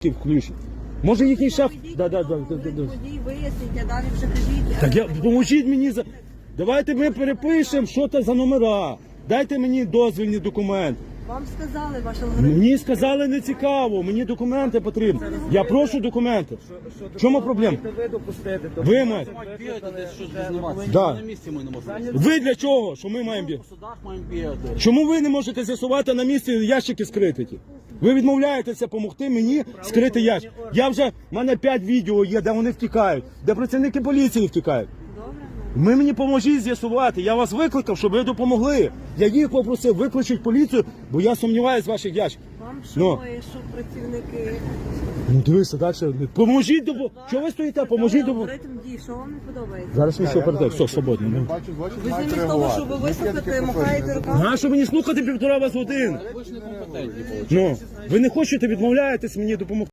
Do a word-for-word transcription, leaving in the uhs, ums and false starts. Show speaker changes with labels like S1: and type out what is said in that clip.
S1: включить. Може їхній шеф... Да, да, да, да, да, да.
S2: Водій виясніть, а далі вже кажіть.
S1: Так я, поможіть мені за... Давайте ми перепишемо, що це за номера. Дайте мені дозвільний документ.
S2: Вам сказали, ваш алгоритм.
S1: Мені сказали не цікаво, мені документи потрібні. Я прошу документи. В чому проблема?
S3: Ви допустити, то
S1: Ви маєте.
S4: Бігати десь щось зніматися.
S1: Да.
S4: На місці ми не можемо.
S1: Ви для чого? Що ми маємо бігати?
S4: По судах маємо бігати.
S1: Чому ви не можете з'ясувати на місці ящики скрити ті? Ви відмовляєтеся допомогти мені скрити ящик. Я вже, в мене п'ять відео є, де вони втікають, де працівники поліції втікають. Ви мені поможіть з'ясувати. Я вас викликав, щоб ви допомогли. Я їх попросив, викличіть поліцію, бо я сумніваюся в ваших ящиках.
S2: Вам
S1: Ну.
S2: шоє, що працівники.
S1: Ну дивися, далі. Поможіть допомогти. Чого ви стоїте? Поможіть допомогти.
S2: Алгоритм дій, що вам не подобається?
S1: Зараз ми все передаємо. Все, свободно. Ну.
S5: Бачу злочин,
S2: Ви
S5: маєте
S2: замість того, щоб
S5: реагувати.
S2: ви вислухати, махаєте руками.
S1: Нащо мені слухати півтора вас годин?
S4: Ви ж не компетентні.
S1: Ну, ви не хочете, відмовляєтесь мені допомогти.